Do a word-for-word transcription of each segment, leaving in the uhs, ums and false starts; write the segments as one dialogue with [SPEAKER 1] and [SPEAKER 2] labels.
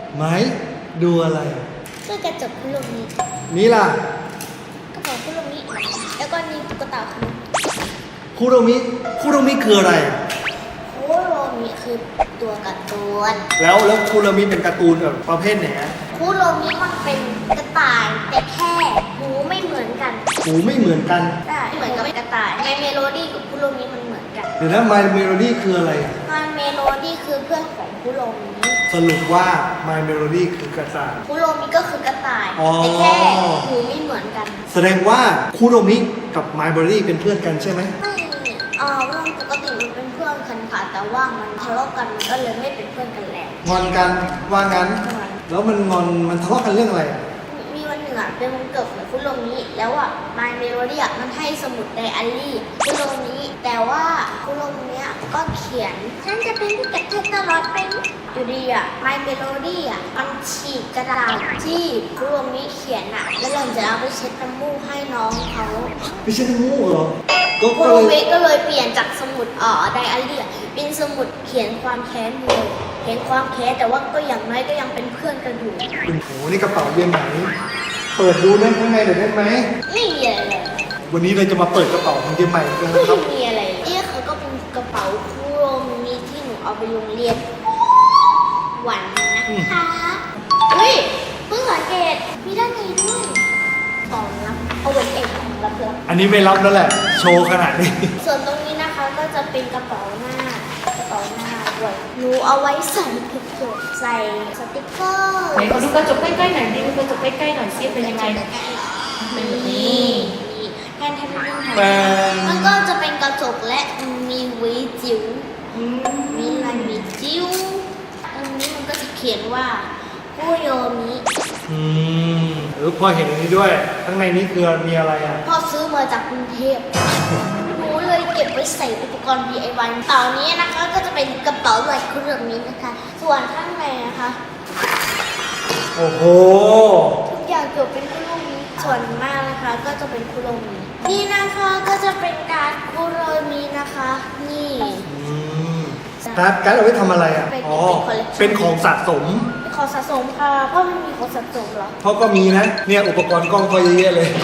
[SPEAKER 1] ไหมดูอะไร
[SPEAKER 2] ก็กระจกคุโรมิ
[SPEAKER 1] นี่ล่ะ
[SPEAKER 2] กระเป๋าคุโรมิแล้วก็นี่ตุ๊กตาคุ
[SPEAKER 1] คุโรมิคุโรมิคืออะไร
[SPEAKER 2] คุโรมิคือตัวการ์ตูน
[SPEAKER 1] แล้วแล้วคุโรมิเป็นการ์ตูนแบบประเภทไหน
[SPEAKER 2] คุโรมิมันเป็นกระต่ายแต่แค่หูไม่เหมือนกัน
[SPEAKER 1] หูไม่เหมือนกัน
[SPEAKER 2] ใช่เหมือนกับกระต่ายในเมโลดี้กับคุโรมิมันเหมือนกัน
[SPEAKER 1] เดี๋ยวนะ My Melody คืออะไร
[SPEAKER 2] My Melody คือเพื่อนของคุโรมิ
[SPEAKER 1] สรุปว่า My Melody คือกระต่าย
[SPEAKER 2] คุโรมิก็คือกระต่ายแต่แค่หูไม่เหมือนกัน
[SPEAKER 1] แสดงว่าคุโรมิกับ My Melody เป็นเพื่อนกันใช่ไหม
[SPEAKER 2] ไม่อ่าเรื่องปกติมันเป็นเพื่อนกันค่ะแต่ว่ามันทะเลาะกันมันก็เลยไม่เป็นเพื่อนกันแล้ว
[SPEAKER 1] งอนกันว่างั้นแล้วมันงอนมันทะเลาะกันเรื่องอะไร
[SPEAKER 2] มีวันหนึ่งอ่ะเป็นวันเกิดของคุโรมิแล้วอ่ะ My Melody อ่ะมันให้สมุดไดอารี่คุโรมิแต่ว่าคุโรมิอ่ะก็เขียนฉันจะเป็นพี่กับเธอตลอดไปอยู่ดีอ่ะ My Melody อ่ะมันฉีกกระดาษที่คุโรมิเขียนอ่ะแล้วหลังจากเอาไปเช็ดน้ำมูกให้น้องเขา
[SPEAKER 1] ไม่ใช่น้ำมูกเหรอ
[SPEAKER 2] ก็คุโรมิก็เลยเปลี่ยนจากสมุดเอ่อไดอารี่เป็นสมุดเขียนความแค้นเลยเขียนความแค้นแต่ว่าก็อย่างน้อยก็ยังเป็นเพื่อนกันอยู่
[SPEAKER 1] โอ้โหนี่กระเป๋าเรียนไหนเปิดดูได้ข้างในหน่อยได้ไหม
[SPEAKER 2] ไม่มีอะไรเลย
[SPEAKER 1] วันนี้เราจะมาเปิดกระเป๋าของเรียนใหม่กันนะครับ
[SPEAKER 2] ไม่มีอะไรนี่เขาก็เป็นกระเป๋าคุโรมิที่หนูเอาไปโรงเรียนวันนะคะเฮ้ยเพิ่งสังเกตมีด้านในด้วยของรับเอาไว้เองของรับเพื่อน
[SPEAKER 1] อันนี้ไม่รับแล้วแหละโชว์ขนาดนี้
[SPEAKER 2] ส่วนตรงนี้นะคะก็จะเป็นกระเป๋าหน้ากระเป๋าหน้าด้วยหนูเอาไว้ใส่กระจกใส่สติ๊กเกอร์
[SPEAKER 3] ไหนขอดูกระจกใกล้ๆหน่อยดิดูกระจกใกล้ๆหน่อยซิเป็นยังไง
[SPEAKER 2] นี่แทนแทนแทนมันก็จะเป็นกระจกและมีวิจิ๋วมีลายวิจิ๋วตรงนี้มันก็จะเขียนว่าคุโรมิ
[SPEAKER 1] อืมหรือพอเห็นอันนี้ด้วยข้างในนี้คือมีอะไรอ่ะ
[SPEAKER 2] พ่อซื้อมาจากกรุงเทพหนูเลยเก็บไว้ใส่อุปกรณ์ ดี ไอ วาย ต่อนี้นะคะก็จะเป็นกระเป๋าลายคุโรมินะคะส่วนข้างในนะคะ
[SPEAKER 1] โอ้โห
[SPEAKER 2] ทุกอย่างเกี่ยวเป็นคุโรมิส่วนมากนะคะก็จะเป็นคุโรมินี่นะคะก็จะเป็นการคุโรมินะคะนี่
[SPEAKER 1] การ์ดการ์ดเอาไว้ทำอะไรอ่ะอ๋อเป็นของสะสม
[SPEAKER 2] เป็นของสะสมค่ะพ่อไม่มีของสะสมหรอ
[SPEAKER 1] พ่อก็มีนะเนี่ยอุปกรณ์กล้องพ่อเยอะๆเลย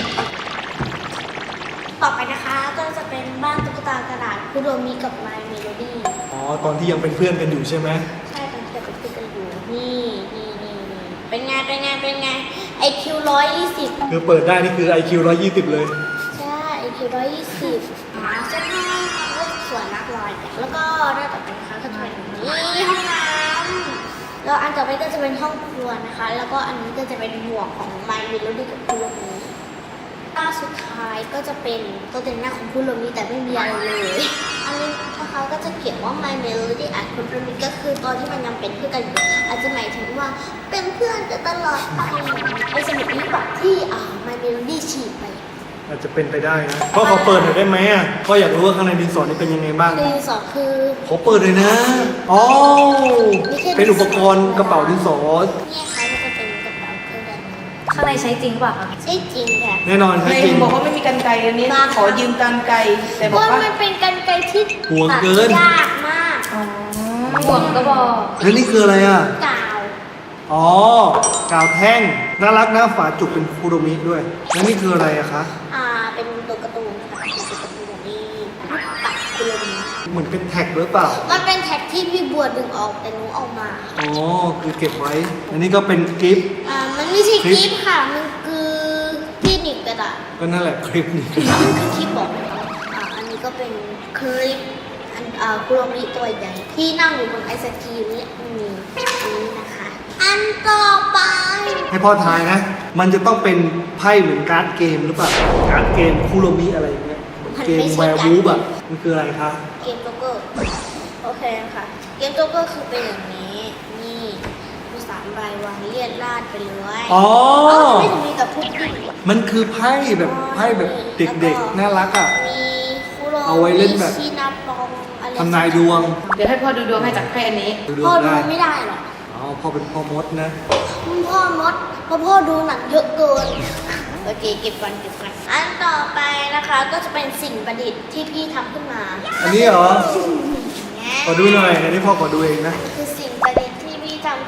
[SPEAKER 2] ต่อไปนะคะก็จะเป็นบ้านตุ๊กตากระดาษคุโรมิกับ My Melody
[SPEAKER 1] อ๋อตอนที่ยังเป็นเพื่อนกันอยู่ใช่ไหม
[SPEAKER 2] ใช่ตอนที่ยังเป็นเพื่อนกันอยู่นี่นี่นี่เป็นไงเป็นไงเป็นไง ไอ คิว ร้อยยี่สิบ
[SPEAKER 1] คือเปิดได้นี่คือ ไอ คิว ร้อยยี่สิบเลย
[SPEAKER 2] ใช่ ไอ คิว ร้อยยี่สิบหาเสื้อผ้าสวยนักลอยแล้วก็ด้านต่อไปนะคะก็จะเป็นนี่ห้องน้ำแล้วอันต่อไปก็จะเป็นห้องครัวนะคะแล้วก็อันนี้ก็จะเป็นหมวกของ My Melody กับคุโรมิหน้าสุดท้ายก็จะเป็นตัวแต่งหน้าของคุโรมิแต่ไม่มีอะไรเลยอันนี้นะคะก็จะเขียนว่า My Melody อ่ะคุโรมิก็คือตอนที่มันยังเป็นเพื่อนกันอยู่อาจจะหมายถึงว่าเป็นเพื่อนกันตลอดไปไอสมุดนี้แบบที่อ่า My Melody ฉีกไป
[SPEAKER 1] อาจจะเป็นไปได้นะพ่อขอเปิดหน่อยได้ไหมอ่ะพ่ออยากรู้ว่าข้างในดินสอนี่เป็นยังไงบ้าง
[SPEAKER 2] ดินสอคือ
[SPEAKER 1] ขอเปิดเลยนะอ๋อเป็นอุปกรณ์กระเป๋าดินสอ
[SPEAKER 2] เนี่ยค่ะก็จะเป็นกระเป๋าเครื่องดัน
[SPEAKER 3] ข้างในใช้จริงป่ะคะ
[SPEAKER 2] ใช้จริงค่ะ
[SPEAKER 1] แน่นอนใช้จริง
[SPEAKER 3] บอกว่าไม่มีกรรไกรอันนี้ขอยืมกรรไกรแต่บอกว่า
[SPEAKER 2] มันเป็นกรรไกรที่
[SPEAKER 1] ห่วงเกิน
[SPEAKER 2] ยากมาก
[SPEAKER 3] อ๋อห่วงก็บอก
[SPEAKER 1] แล้วนี่คืออะไรอ่ะ
[SPEAKER 2] กาว
[SPEAKER 1] อ๋อกาวแท่งน่ารักนะฝาจุกเป็นคุโรมิด้วยแล้วนี่คืออะไรอะคะ
[SPEAKER 2] อ่าเป็นตัวการ์ตูนค่ะเป็นตัวการ์ตูนนี่ปัดคุโรมิ
[SPEAKER 1] เหมือนเป็นแท็กหรือเปล่า
[SPEAKER 2] มันเป็นแท็กที่พี่บัวดึงออกแต่หนูเอามา
[SPEAKER 1] อ๋อคือเก็บไว้อันนี้ก็เป็นกิฟต์
[SPEAKER 2] อ่ามันไม่ใช่กิฟต์ค่ะมันคือที่หนีบกระดาษ
[SPEAKER 1] ก็นั่นแหละคลิปนี้
[SPEAKER 2] มันคือคลิปบอกอ่าอันนี้ก็เป็นคลิปอันอ่าคุโรมิตัวใหญ่ที่นั่งอยู่บนไอศกรีมนี่มีนี้นะคะอันต่อไป
[SPEAKER 1] ให้พ่อทายนะมันจะต้องเป็นไพ่เหมือนการ์ดเกมหรือเปล่าการ์ดเกมคุโรมิอะไรอย่างเงี้ยเกมแวร์วูฟอะมันคืออะไรคะ
[SPEAKER 2] เกมโจ๊กเกอร์โอเคค่ะเกมโจ๊กเกอร์คือเป็นอย่างนี้นี่มีสามใบวางเรียดราดไปเลย
[SPEAKER 1] อ๋อ
[SPEAKER 2] ไม่ถึงมีกับทุกที่
[SPEAKER 1] มันคือไพ่แบบไพ่แบบเด็กๆน่ารักอะ
[SPEAKER 2] มีคุโรมิ
[SPEAKER 1] เอาไว้เล่นแบบ
[SPEAKER 2] ชีนาปองอะไร
[SPEAKER 1] ทำนายดวง
[SPEAKER 3] เดี๋ยวให้พ่อดูดวงให้จากไพ่อันนี้
[SPEAKER 2] พ่อดูไม่ได้หรอ
[SPEAKER 1] อ๋อพ่อเป็นพ่อมดนะ
[SPEAKER 2] พ่อมดเพราะพ่อดูหนังเยอะเกินโอเคเก็บก่อนเก็บก่อนอันต่อไปนะคะก็จะเป็นสิ่งประดิษฐ์ที่พี่ทำขึ้นมา
[SPEAKER 1] อันนี้เหรอขอดูหน่อยอันนี้พ่อขอดูเองนะ
[SPEAKER 2] คือสิ่งประดิษฐ์ที่พี่ทำขึ้น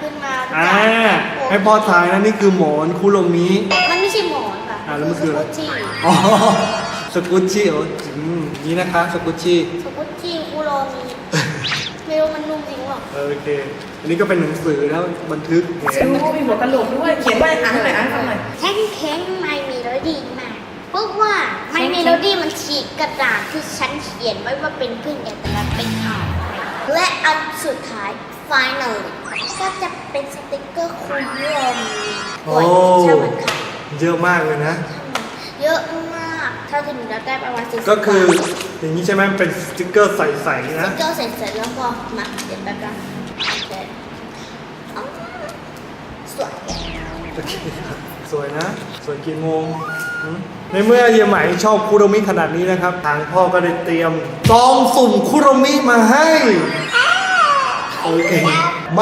[SPEAKER 2] ขึ้นมา
[SPEAKER 1] อ่าให้พ่อทายนะนี่คือหมอนคุโรมิ
[SPEAKER 2] มันไม่ใช่หมอนค่ะ
[SPEAKER 1] อ่าแล้วมันคืออะไร
[SPEAKER 2] สกุชชี่
[SPEAKER 1] อ๋อสกุชชี่เหรออืมนี่นะคะสกุชชี่
[SPEAKER 2] สกุชชี่คุโรมิไม่รู้มันนุ่มจริงหรอ
[SPEAKER 1] โอเค อันนี้ก็เป็นหนังสือนะบันทึกเห็น
[SPEAKER 3] ดูมีหัวกะโหลกด้วย เขียนว่าอ่านหน่อยอ่านหน่อย
[SPEAKER 2] แข็งแข็งไม่มีโรดี้มากเพราะว่าไม่มีโรดี้มันฉีกกระดาษที่ฉันเขียนไว้ว่าเป็นเพื่อนกันแต่มันเป็นอ่านและอันสุดท้าย final ก็จะเป็นสติกเกอร์คุโรมิ
[SPEAKER 1] โอ้
[SPEAKER 2] ใช่ไหมคะ
[SPEAKER 1] เยอะมากเลยนะ
[SPEAKER 2] เยอะมากเท่าที่หนูได้ประมาณสี่สิบ
[SPEAKER 1] ก็คืออย่างนี้ใช่ไหมเป็นสติ๊กเกอร์ใสๆนะ
[SPEAKER 2] สติกเกอร์เสร็จๆแล้วก็มาเดี๋ยวแป๊บนึงโอเคอ๋อสวย
[SPEAKER 1] โอเคสวยนะ สวยกี่โมงหืมในเมื่อเฮียไหมชอบคุโรมิขนาดนี้นะครับ ทางพ่อก็ได้เตรียมซองสุ่มคุโรมิมาให้ โอเค มา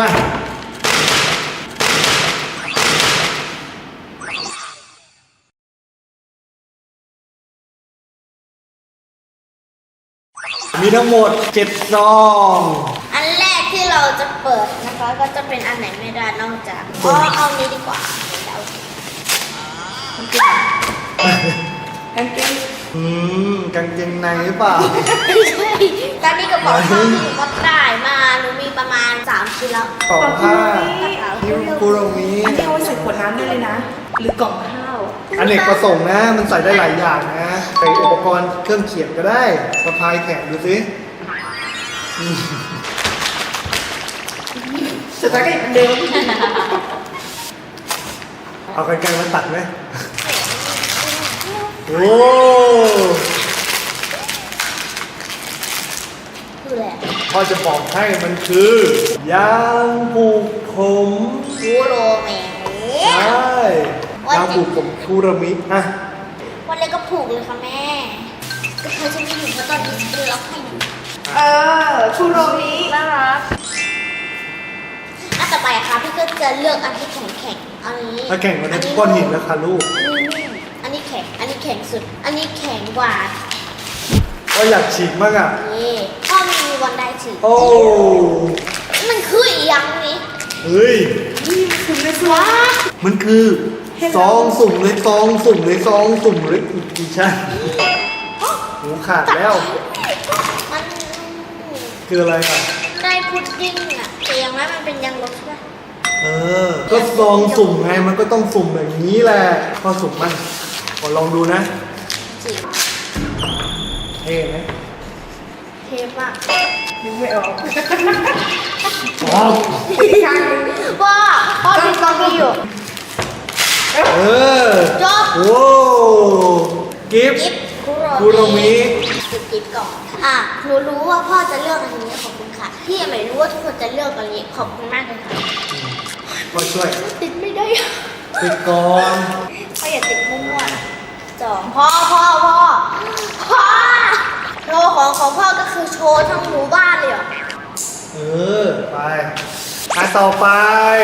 [SPEAKER 1] มีทั้งหมดเจ็ดซอง
[SPEAKER 2] อันแรกที่เราจะเปิดนะคะก็จะเป็นอันไหนไม่ได้นอกจากอ๋อเอานี้ดีกว่าเดี๋ยว
[SPEAKER 3] กางเกง
[SPEAKER 1] อืมกางเกงในหรือเปล่า
[SPEAKER 2] ไม่ใช่ตอนนี้กระเป๋าผ้าที่หนูก็ได้มาหนูมีประมาณสามชิ้นแล้ว
[SPEAKER 1] กล่องผ้า
[SPEAKER 2] กระเป๋า
[SPEAKER 1] ฮิวคุโรมิ
[SPEAKER 3] อันนี้เอาไว้ใส่ขวดน้ำได้เลยนะ หรือกล่องข้าว
[SPEAKER 1] อันเนกประสงค์นะ มันใส่ได้หลายอย่างนะใส่อุปกรณ์เครื่องเขียนก็ได้สะพายแขนดูสิอืม
[SPEAKER 3] สุดท้ายก็ยังเหมือนเดิม
[SPEAKER 1] เอาไกลๆมาตัดไหมโอ้
[SPEAKER 2] คือแหละไร
[SPEAKER 1] พ่อจะบอกให้มันคือยางผูกผม
[SPEAKER 2] คูโรเมะ
[SPEAKER 1] ใช่ยางผูกผมคุโรมิอ่ะ
[SPEAKER 2] วันแรกก็ผูกเลยค่ะแม่ก็เธอจะไม่อยู่เพราะตอนนี้ฉันเป็นล็อกให้หนู
[SPEAKER 3] เออชูโรมิน่ารัก
[SPEAKER 2] อันต่อไปอะค่ะพี่ก็จะเลือกอันที่แข็งแข็งๆอันนี้
[SPEAKER 1] ถ้าแข่งกันในก้อนหินแล้วค่ะลูก
[SPEAKER 2] อันนี้นิ่มอันนี้แข็ง อันนี้แข็งสุด อันนี้แข็งกว่า
[SPEAKER 1] ก็อยากฉีกมากอ่ะ
[SPEAKER 2] นี่พ่อไม่มีวันได้ถือ
[SPEAKER 1] โอ้
[SPEAKER 2] มันคืออีกอย่างนี้
[SPEAKER 1] เฮ้ย
[SPEAKER 3] นี่คุณไม่สว
[SPEAKER 2] ว้า
[SPEAKER 1] มันคือซองสุ่มเลยซองสุ่มเลยซองสุ่มเลยอีกใช่หูขาดแล้ว
[SPEAKER 2] มัน
[SPEAKER 1] คืออะไรอ่ะ
[SPEAKER 2] ได้พุดดิ้งอะแต่อย่างนั้นมันเป็นยังลบใช่ปะ
[SPEAKER 1] เออ ก็ซองสุ่มไง มันก็ต้องสุ่มแบบนี้แหละพอสุ่มมันขอลองดูนะ
[SPEAKER 2] จริง
[SPEAKER 1] เท่ไหม
[SPEAKER 2] เทปอะ
[SPEAKER 3] นึกไม่ออก
[SPEAKER 1] ว้าว
[SPEAKER 3] อีกครั้งหนึ่ง
[SPEAKER 2] พ่อพ่อมีกล้องนี้อยู่
[SPEAKER 1] เออ
[SPEAKER 2] จบ
[SPEAKER 1] โว้กิฟต์
[SPEAKER 2] กิฟต์คุโร
[SPEAKER 1] คุโรมิ
[SPEAKER 2] จุดกิฟต์ก่อนอ่ะหนูรู้ว่าพ่อจะเลือกอันนี้ขอบคุณค่ะพี่ไม่รู้ว่าทุกคนจะเลือกอันนี้ขอบคุณมากเลยค่ะ
[SPEAKER 1] ก็ช่วย
[SPEAKER 2] ติดไม่ได้
[SPEAKER 1] ติดก่อน
[SPEAKER 2] พ่ออย่าติดมั่วๆสองพ่อพ่อพ่อพ่อโชว์ของของพ่อก็คือโชว์ทั้งหมู่บ้านเลยเหรอ
[SPEAKER 1] เออ ไปอ่ะต่อไป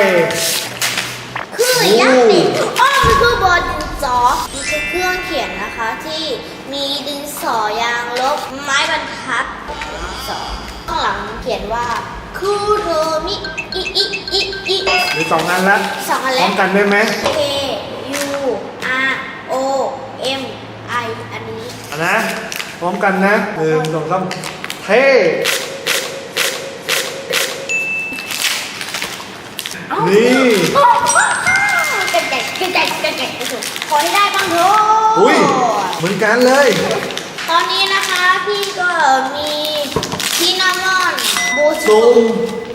[SPEAKER 2] คือยังนี่อ้อมันคือบอร์ดดินสอมันคือเครื่องเขียนนะคะที่มีดินสอยางลบไม้บรรทัดดินสอข้างหลังเขียนว่าคุโรมิอิอิอิอิ
[SPEAKER 1] หรือสองอันละ
[SPEAKER 2] สองอัน
[SPEAKER 1] พ
[SPEAKER 2] แล้
[SPEAKER 1] ร้อ
[SPEAKER 2] ว
[SPEAKER 1] มกันได้ไหม
[SPEAKER 2] K U R O M I อันนี้
[SPEAKER 1] อ่ะนะ พร้อมกันนะหนึ่งสองสามเท่ นี่
[SPEAKER 2] กระแจกกระแจกกระแจกกระแจกขอให้ได้บ้างเถอะ
[SPEAKER 1] อุ้ย เหมือนกันเลย
[SPEAKER 2] ตอนนี้นะคะพี่ก็มีชินามอนโบ
[SPEAKER 1] ซุ่
[SPEAKER 2] ซุ
[SPEAKER 1] ม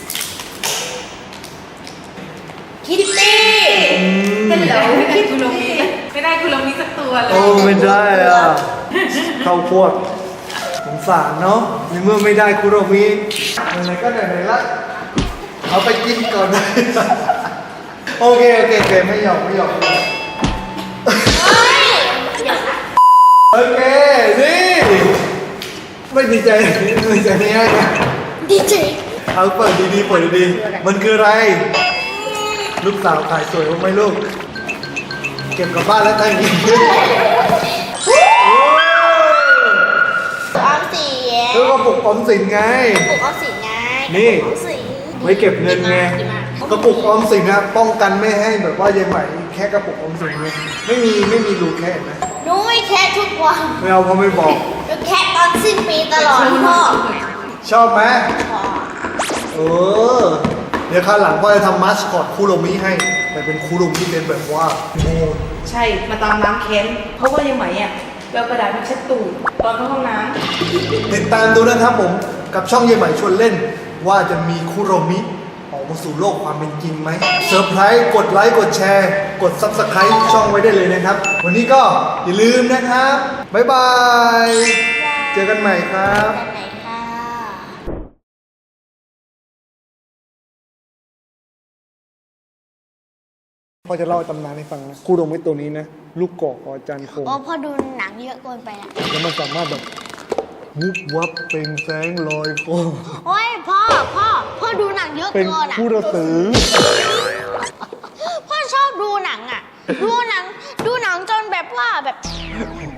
[SPEAKER 2] คิตตี้
[SPEAKER 3] เป็นเหรอไม่ได้คุโรมิไม่ได้คุโรมิสักตัวเล
[SPEAKER 1] โอ้
[SPEAKER 3] ย
[SPEAKER 1] ไม่ได้อ่ะ เข้าพวกสงสารเนาะในเมื่อไม่ได้คุโรมิไหนๆก็ไหนๆละเอาไปกินก่อนเลยโอเค โอเคโอเคไม่หยอกไม่หยอก
[SPEAKER 2] เฮ้ยเดี๋ยวนะ
[SPEAKER 1] โอเค นี่ ไม่ดีใจไม่ดีใจไม่ได้นะ
[SPEAKER 2] ดีเจ
[SPEAKER 1] เอาเปิดดีๆเปิดดีๆมันคืออะไร ลูกสาวขายสวยบ้างไหมลูก เก็บกลับบ้านแล้วตั้งกิน
[SPEAKER 2] ออมสิน
[SPEAKER 1] แล้วก็ปลุกออมสินไง
[SPEAKER 2] ปลูกออมสินไง
[SPEAKER 1] นี่
[SPEAKER 2] ออมสิน
[SPEAKER 1] ไว้เก็บเงินไง
[SPEAKER 2] ดีมากดีมาก
[SPEAKER 1] กระปุกออมสินนะป้องกันไม่ให้แบบว่ายายใหม่แค่กระปุกออมสินเลยไม่มีไม่มีรูแค่นะ
[SPEAKER 2] หนูไม่แค่ทุกวัน
[SPEAKER 1] ไม่เอาเพราะไม่บอก
[SPEAKER 2] หนูแค่ตอนสิ้นปีตลอดพ่อ
[SPEAKER 1] ชอบไหม
[SPEAKER 2] พ่อ
[SPEAKER 1] เออเดี๋ยวคราวหลังพ่อจะทำมาสคอตคุโรมิให้ แต่เป็นคุโรมิเป็นแบบว่าโม
[SPEAKER 3] ใช่มาตามน้ำแค้นเพราะว่ายังไหมอ่ะไปเอากระดาษมาเช็ดตูดตอนเข้าห้องน้
[SPEAKER 1] ติดตามดูนะครับผมกับช่องเยายใหม่ชวนเล่น ว่าจะมีคุโรมิออกมาสู่โลกความเป็นจริงไหมเซอร์ไพรส์กดไลค์กดแชร์ กด ซับสไครบ์ ช่องไว้ได้เลยนะครับ วันนี้ก็อย่าลืมนะครับ บ๊ายบาย เจอกันใหม่ครับ
[SPEAKER 2] ไปไหนค่ะ
[SPEAKER 1] พ่อจะเล่าตำนานให้ฟังนะคุโรมิตัวนี้นะ ลูกกอกของอาจารย์คง
[SPEAKER 2] โอ้พ่อดูหนังเยอะเกินไปละ
[SPEAKER 1] แล้วมันสามารถแบบวุบวับเป็นแสงลอยคอ
[SPEAKER 2] โอ้ยพ่อพ่อพ่อดูหนังเยอะ
[SPEAKER 1] เป็น
[SPEAKER 2] เกินอ่ะ
[SPEAKER 1] ผู้ระสือ
[SPEAKER 2] พ่อชอบดูหนังอ่ะ ดูหนังดูหนังจนแบบว่าแบบ